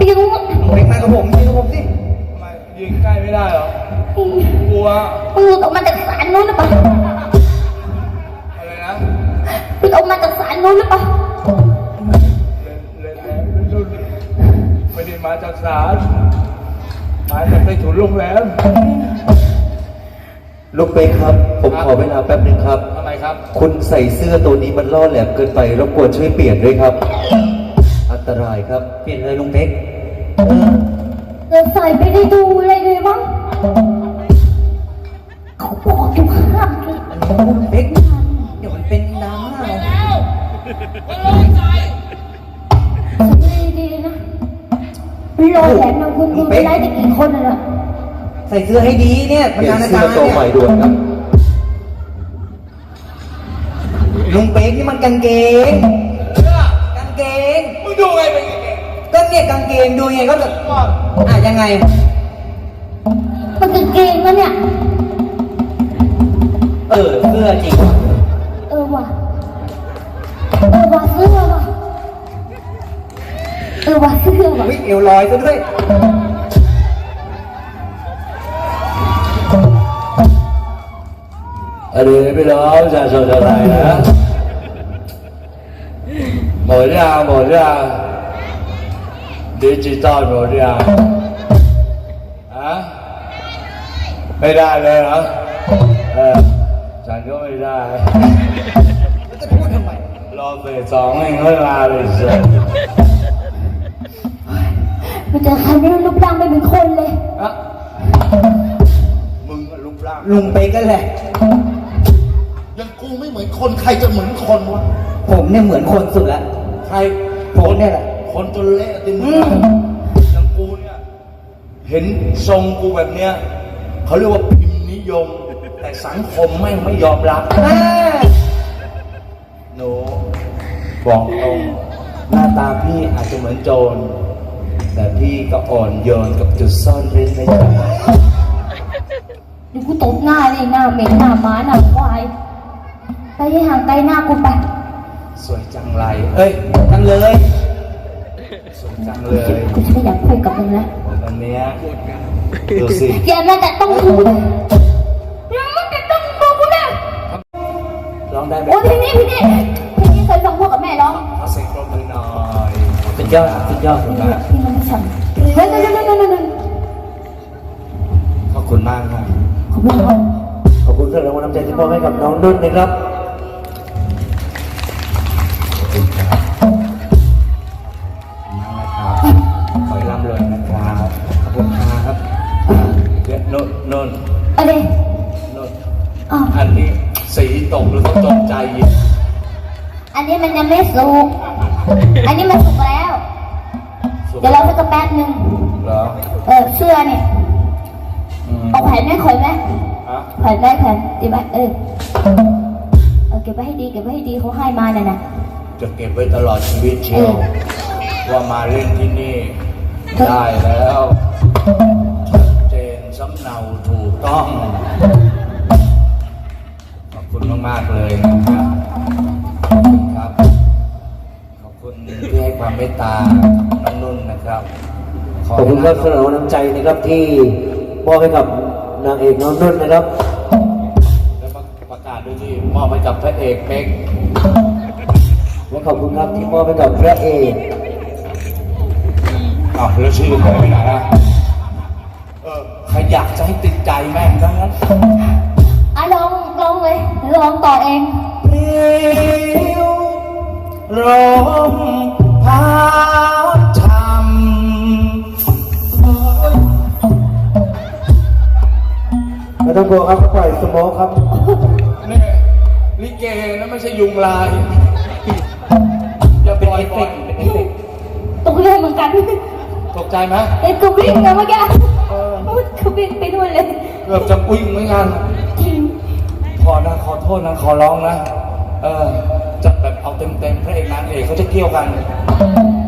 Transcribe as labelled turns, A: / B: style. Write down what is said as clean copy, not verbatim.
A: ยิง
B: เด็กมากับผมยิงกับผมสิ
C: ทำไมยิงใกล้ไม่ได้เหรอ กลัว
A: ปืนออกมาจากศาลนู้นหรือเปล่า
C: อะไรนะ
A: ปืนออกมาจากศาลนู้นหรือเปล่า
C: ไม่ได้มาจากศาลมาจากใต้ถุนโรงแรม
B: ลูกเป๊กครับผมขอเวลาแป๊บนึงครับ
C: ทำไมครับ
B: คุณใส่เสื้อตัวนี้มันล่อแหลมเกินไปรบกวนช่วยเปลี่ยนด้วยครับอันตรายครับเปลี่ยนเลยลุงเป๊ก
A: เราใส่ไปได้ดูอะไรเลยมั้งเขาบอกอยู่ห้ามกิน
B: ลุงเป๊กเดี๋ยวมันเป็นดราม่า
A: ดีๆนะรอแหลมนะคุณไม่ได้จะกี่คนน่ะ
B: ใส่เสื้อให้ดีเนี่ย
D: เปลี่ยนเสื้อตัวใหม่ด่วนครับ
B: ลุงเป๊กนี่มันกางเกงกางเกง
C: มึงดูไงเป็นไง
B: ก็เนี่ยกางเกงดูไงก็จะยังไง
A: มันกางเกงแล้วเนี่ย
B: เสื้อจริง
A: ว่ะเสื้อว่ะเสื้อว่ะ
B: วิ่งเอวลอยซะด้วย
C: พี่น้องจะชนอะไรนะหมดยังดิจิตอลหมดยังไม่ได้เลยเหรอฉันก็ไม่ได้
B: จะพูดทำไม
C: รอเฟส2ให้เวลาเลยสิ
A: มันจะใครไม่รู้รูปร่างไม่เหมือนคนเลย
C: มึงรูปร่าง
B: ลุงเป๊กก็แหละ
D: ยังกูไม่เหมือนคนใครจะเหมือนคนวะ
B: ผมเนี่ยเหมือนคนสุดละ
C: ใคร
B: ผมเนี่ยแหละ
C: คนจนเละติมึงอย่างกูเนี่ยเห็นทรงกูแบบเนี้ยเขาเรียกว่าพิมพ์นิยมแต่สังคมไม่ยอมรับหนูบอกตรงหน้าตาพี่อาจจะเหมือนโจรแต่พี่ก็อ่อนโยนกับจุดซ่อนเร้นในใจ
A: ดูกูตบหน้าเลยหน้าเหม็นหน้าม้าหน้าควายไปให้ห่างไกลหน้ากูไป
C: สวยจังไรจังเลยสวยจังเลย
A: กูไม่อยากคุยกับมึงแล้ว
C: วันนี้ดูสิ
A: อย่ามาแต่ต้องกูอย่ามาแต่ต้องกูนะ
C: ร้องได้ไหม
A: โอ้พี่นี่เคยฟังพ่อกับแม่ร้อง
C: เอาเสียงปรบมือหน่อย
B: เป็นยอด
A: พี่มันไม่ฉันเฮ้ย
C: ขอบคุณมากครับ
B: ขอบคุณสำหรับรางวัลน้ำใจที่มอบให้กับน้องนุ่นนะครับ
C: ขอบคุณครับขอให้ร่ำรวยนะครับขอบคุณครับเดี๋ยวนน
A: อะไร
C: นนอันนี้สีตกหรือตกใจ
A: อันนี้มันยังไม่สุกอันนี้มันสุกแล้วเดี๋ยวเราสักแป๊บนึง
C: เหรอ
A: เสื้อเนี่ยเอาแผ่นไหมขอยไหมแผ่นได้แผ่นดีไหมเก็บไว้ให้ดีเขาให้มาเนี่ยนะ
C: จะเก็บไว้ตลอดชีวิตเชียวว่ามาเล่นที่นี่ได้แล้วชัดเจนสำเนาถูกต้องขอบคุณมากๆเลยนะครับขอบคุณที่ให้ความเมตตาน้องนุ่นนะครับ
B: ขอบคุณครับสำหรับน้ำใจนะครับที่มอบให้กับนางเอกน้องนุ่นนะครับ
C: และประกาศด้วยที่มอบให้กับพระเอกเป๊ก
B: และขอบคุณครับที่มอบให้กับพระเอก
C: แล้วชื่อใครไปไหนนะใครอยากจะให้ติดใจแม่งทั้งนั้น
A: ลองเลยลองต่อเอง
C: เรียวลมพัดช่
B: ำไม่ต้องกลัวครับปล่อยสโมกครับ
C: นี่ลิเกนะไม่ใช่ยุงลายอย่าปล่อย
A: ตกใจเหมือนกัน
C: ตกใจไหม
A: กูวิ่งนะเมื่อกี้กูวิ่งไปด้วยเลย
C: เกือบจะวิ่งเหมือนกันขอโทษนะขอร้องนะจะแบบเอาเต็มพระเอกนางเอกเขาจะเกี่ยวกัน